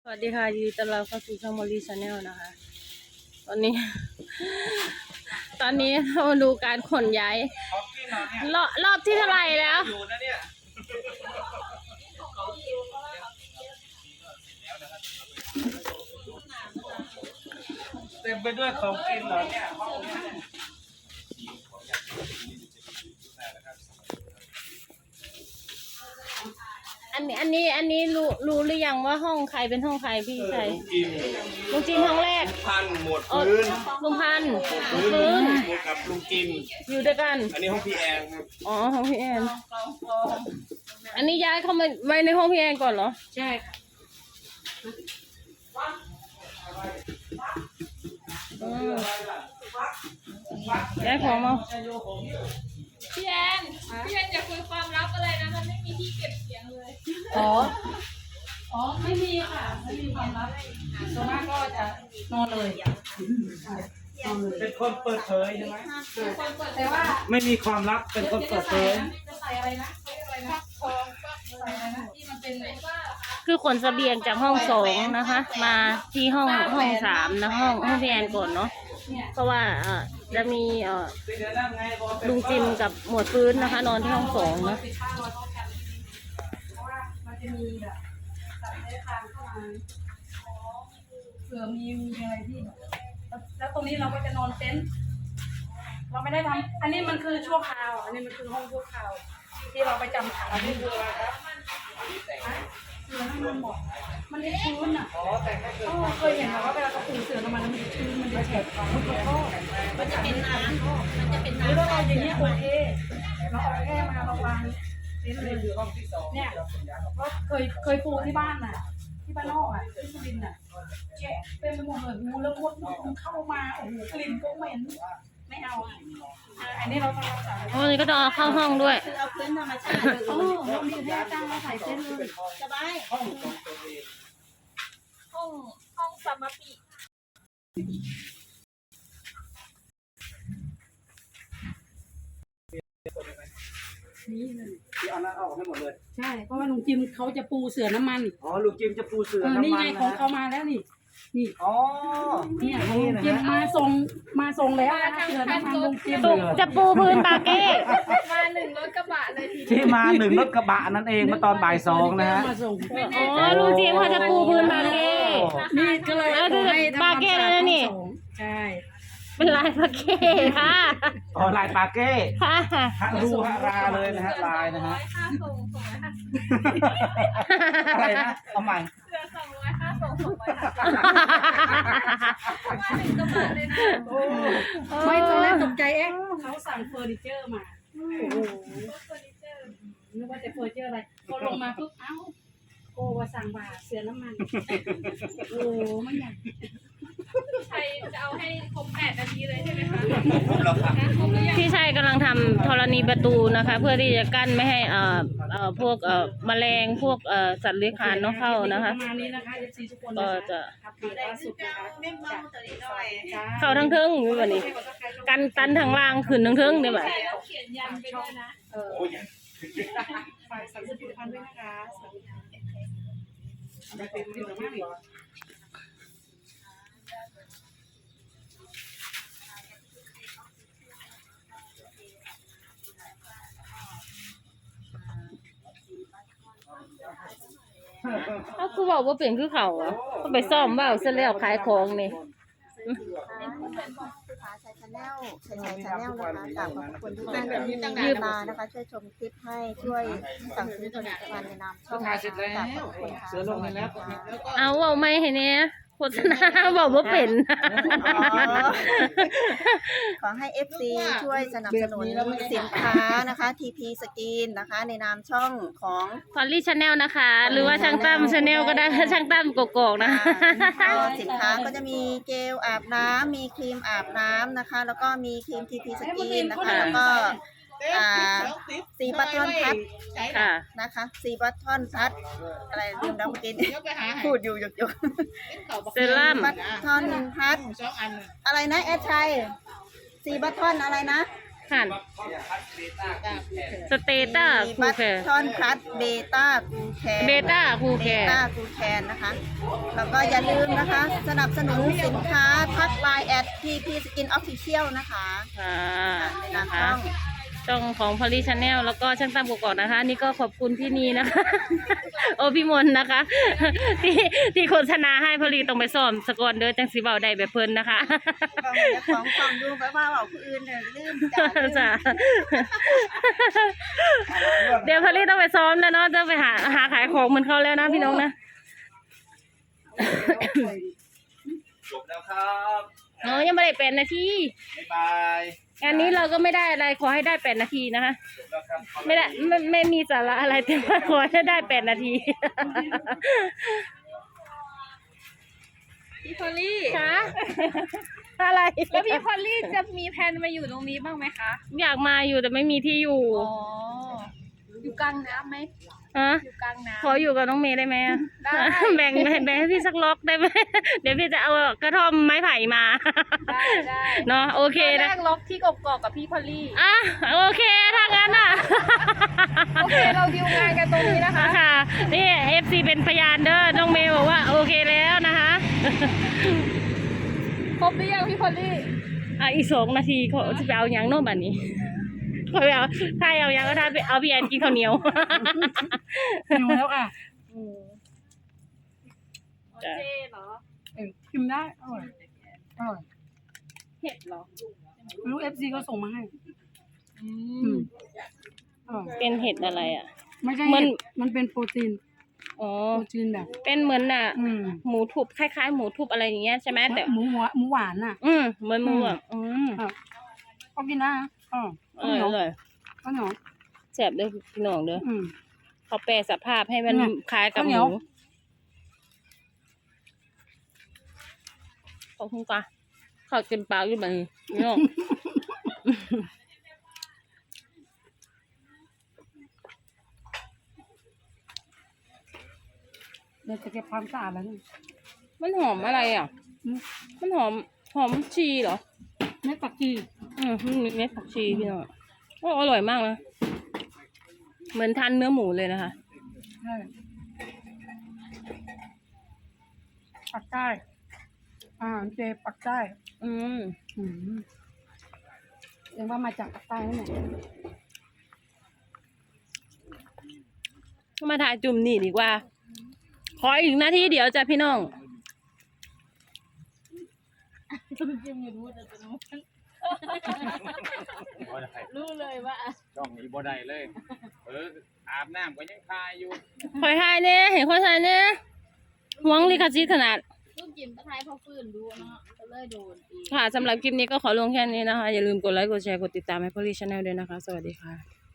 สวัสดีค่ะยินดีต้อนรับเข้าสู่ช่องมอลลี่ชาแนลนะคะ ตอนนี้ เรามาดูการขนย้ายรอบที่เท่าไหร่แล้วเต็มไปด้วยของกินเหรอเนี่ยอันนี้รู้หรือยังว่าห้องใครเป็นห้องใครพี่ชัยลุงจิมห้องแรกพันหมวดพื้นลุงพันพื้นหมวดกับลุงจิมอยู่ด้วยกันอันนี้ห้องพี่แอนครับอ๋อห้องพี่แอนอันนี้ย้ายเข้ามาไว้ในห้องพี่แอนก่อนเหรอใช่ค่ะย้ายของมาพี่แอนอย่าคุยความลับอะไรนะมันไม่มีที่เก็บเสียงเลยอ๋อไม่มีค่ะไม่มีความลับส่วนมากก็จะนอนเลยเป็นคนเปิดเผยใช่ไหมแต่ว่าไม่มีความลับเป็นคนเปิดเผยจะใส่อะไรนะทองใส่อะไรนะที่มันเป็นคือขนเสบียงจากห้องสองนะคะ มาที่ห้องสามนะห้องพี่แอนก่อนเนาะเพราะว่าจะมีลุงจิมกับหมวดฟื้นนะคะ นอนที่ห้องสองนะมันจะมีแบบสัตว์เลื้อยคลานเข้ามาเผื่อมีอะไรที่แล้วตรงนี้เราก็จะนอนเต็นท์เราไม่ได้ทำอันนี้มันคือชั่วคราวอันนี้มันคือห้องชั่วคราวที่เราไปจำขังที่ดูครับเสือน้ำมันหมดมันจะชื้นอ่ะเคยเห็นว่าเวลาเขาปูเสือน้ำมันมันจะชื้นมันจะแฉะมันจะเป็นน้ำหรือเราเอาอย่างเงี้ยโอเคเราเอาแค่มาวางเต็นท์เลยเนี่ยก็เคยปูที่บ้านน่ะที่บ้านนอกอ่ะที่สุรินทร์น่ะแฉะเป็นไปหมดเลยงูแล้วมดมันเข้ามาโอ้โหกลิ่นก็เหม็นไม่เอาอันนี้เราต้องรักษาวันนี้ก็ต้องเอาเข้าห้องด้วยเอาพื้นธรรมชาติโอ้เรามีแค่จ้างมาใส่เส้นเลยสบายห้องสมาปินี่เลยที่เอานั้นออกให้หมดเลยใช่เพราะว่าลุงจิมเขาจะปูเสือน้ำมันอ๋อลุงจิมจะปูเสือน้ำมันนี่ไงของเขามาแล้วนี่อ๋อเนี่ยลุงจิมมาส่งแล้วนะเสือน้ำมันลุงจิมจะปูพื้นปาเก้มา1 รถกระบะเลยที่มา1 รถกระบะนั่นเองเมื่อตอนบ่าย 2นะฮะอ๋อลุงจิมเขาจะปูพื้นปาเก้นี่ก็เลยปาเก้แล้วนี่ใช่เป็นลายปาเก้ค่ะอ๋อลายปาเก้ค่ะฮะรูฮะราเลยนะฮะลายนะฮะค่าส่งอะไรนะเอาใหม่เสือ200ค่าส่ง200มา1 กระบะเลยนะไม่ตอนแรกตกใจเขาสั่งเฟอร์นิเจอร์มาโอ้โหเฟอร์นิเจอร์นึกว่าจะเฟอร์นิเจอร์อะไรพอลงมาปุ๊บโอ้ว่าสั่งบาเสือน้ำมันโอ้ไม่อยากใครจะเอาให้ครบ8 นาทีเลยใช่ไหมคะพี่ชัยกำลังทำธรณีประตูนะคะ เพื่อที่จะกั้นไม่ให้พวกแมลงพวกสัตว์เลื้อยคลานเข้านะคะก็จะเข้าทั้งเทิงอยู่แบบนี้กันตันทางล่างขึ้นทั้งเทิงได้ไหมเขียนยันไปด้วยนะฝากสั่งซื้อผลิตภัณฑ์ด้วยนะคะเขาคือบอกว่าเป็นคือเขาอ่ะเขาไปซ่อมว่าเสร็จแล้วขายของนี่ชาแนลนะคะขอบคุณทุกท่านที่ยืมมานะคะช่วยชมคลิปให้ช่วยสั่งซื้อผลิตภัณฑ์ในนามช่องขอบคุณค่ะเสือลงแล้วเอาไม่เห็นเนี้ยโฆษณาบอกว่าเป็นขอให้ FC ช่วยสนับสนุนสินค้านะคะ TP Skin นะคะในนามช่องของพอลลี่ชาแนลนะคะหรือว่าช่างตั้มชาแนลก็ได้ช่างตั้มกอกๆนะสินค้าก็จะมีเจลอาบน้ำมีครีมอาบน้ำนะคะแล้วก็มีครีม TP Skin นะคะแล้วก็4 บัตทอนพัดนะคะ4 บัตทอนพัดอะไรลืมแล้วเมื่อกี้พูดอยู่หยกเซรั่มบัตทอนพัดอะไรนะแอดชัย4 บัตทอนอะไรนะหันสเตต้ามีคูบัตแคร์ชอนพัดเบต้ากูแคนเบต้าคูแคเบร์ต้ากูแคนนะคะ แล้วก็อย่าลืมนะคะ สนับสนุนสินค้าทักไลน์แอดพีสกินออฟฟิเชียลนะคะค่ะในนะนามคะ ช่องของพอลี่ชาแนลแล้วก็ช่างตั้มกกอกนะคะ นี่ก็ขอบคุณพี่นีนะคะ โอพี่มนต์นะคะ ที่โฆษณาให้พอลี่ต้องไปซ้อมสกอนเด้อจังสิเบาได้แบบเพิ่นนะคะของดูไปว่าเอาผู้อื่นเนี่ยลืมจ้าลืมจ้ะเดี๋ยวพอลี่ต้องไปซ้อมแล้วเนาะจะไปหาขายของเหมือนเขาแล้วนะพี่น้องนะจบแล้วครับอ๋อยังไม่ได้8 นาทีบ๊ายบายอันนี้เราก็ไม่ได้อะไรขอให้ได้8 นาทีนะคะจบแล้วครับไม่ได้ไม่มีสาระอะไรแต่ว่าขอให้ได้8 นาทีพี่พอลลี่คะอะไรแล้วพี่พอลลี่จะมีแผนมาอยู่ตรงนี้บ้างไหมคะอยากมาอยู่แต่ไม่มีที่อยู่อ๋อ อยู่กลางน้ำไหมฮะอยู่กลางน้ำขออยู่กับน้องเมย์ได้ไหมอะได้แบ่งให้พี่สักล็อกได้ไหม เดี๋ยวพี่จะเอากระท่อมไม้ไผ่มาได้เนาะโอเคแรนะกล็อกที่กกอกกับพี่พอลลี่อ่ะโอเคถ้างั้นอ่ะโอเคเราดิวงานกันตรงนี้นะคะค่ะนี่ FC เป็นพยานเด้อน้องเมย์บอกว่าโอเคแล้วนะคะครบหรือยังพี่พอลลี่อ่ะอีก2 นาทีเขาจะไปเอาหยังโน่นบัดนี้เขาไปเอาถ้าเอาหยังก็ถ้าไปเอาพี่แอนกินข้าวเหนียวหิวแล้วค่ะจ้ะเจเหรอชิมได้อร่อยอร่อยเห็ดเหรอไม่รู้ FC ก็ส่งมาให้อือืมมอร่อยเป็นเห็ดอะไรอ่ะไม่ใช่มันเห็ดมันเป็นโปรตีนอ๋อโปรตีนแบบเป็นเหมือนน่ะอืมหมูทุบคล้ายๆหมูทุบอะไรอย่างเงี้ยใช่ไหมแต่หมูหวานน่ะเหมือนหมูอ่ะครับก็กินได้นะอ๋ออร่อยอร่อยข้าวเหนียวแซ่บเด้อพี่น้องเด้ออืมเขาแปรสภาพให้มันเนี่ยคล้ายกับหข้าวเหนีมูยวขอบคุณค่ะเขาเต็มปากอยู่แบบนี้พี่น้องเดี๋ยวจะเก็บความสะอาดแล้วนี่มันหอมอะไรอ่ะอืมมันหอมชีเหรอเม็ดผักชีมันมีเม็ดผักชีพี่น้องโอ้อร่อยมากนะเหมือนทานเนื้อหมูเลยนะคะใช่ปักใต้อาหารเจปักใต้อืมอืมเรียกว่ามาจากปักใต้นั่นแหละมาถ่ายจุ่มนี่ดีกว่า ขออีกนาทีเดียวจ้ะพี่น้องรู้เลยว่าช่องนี้บ่ได้เลย อาบน้ำก็ยังคายอยู่คอยถ่ายเนี่ยเห็นคอยถ่ายเนี่ยหวงลิขสิทธิ์ขนาดลูกจิ้มตะไคร้พอฟื้นดูเนาะก็เลยโดนอีกค่ะสำหรับคลิปนี้ก็ขอลงแค่นี้นะคะ อย่าลืมกดไลค์ กดแชร์ กดติดตามให้พอลี่ชาแนลด้วยนะคะ สวัสดีค่ะ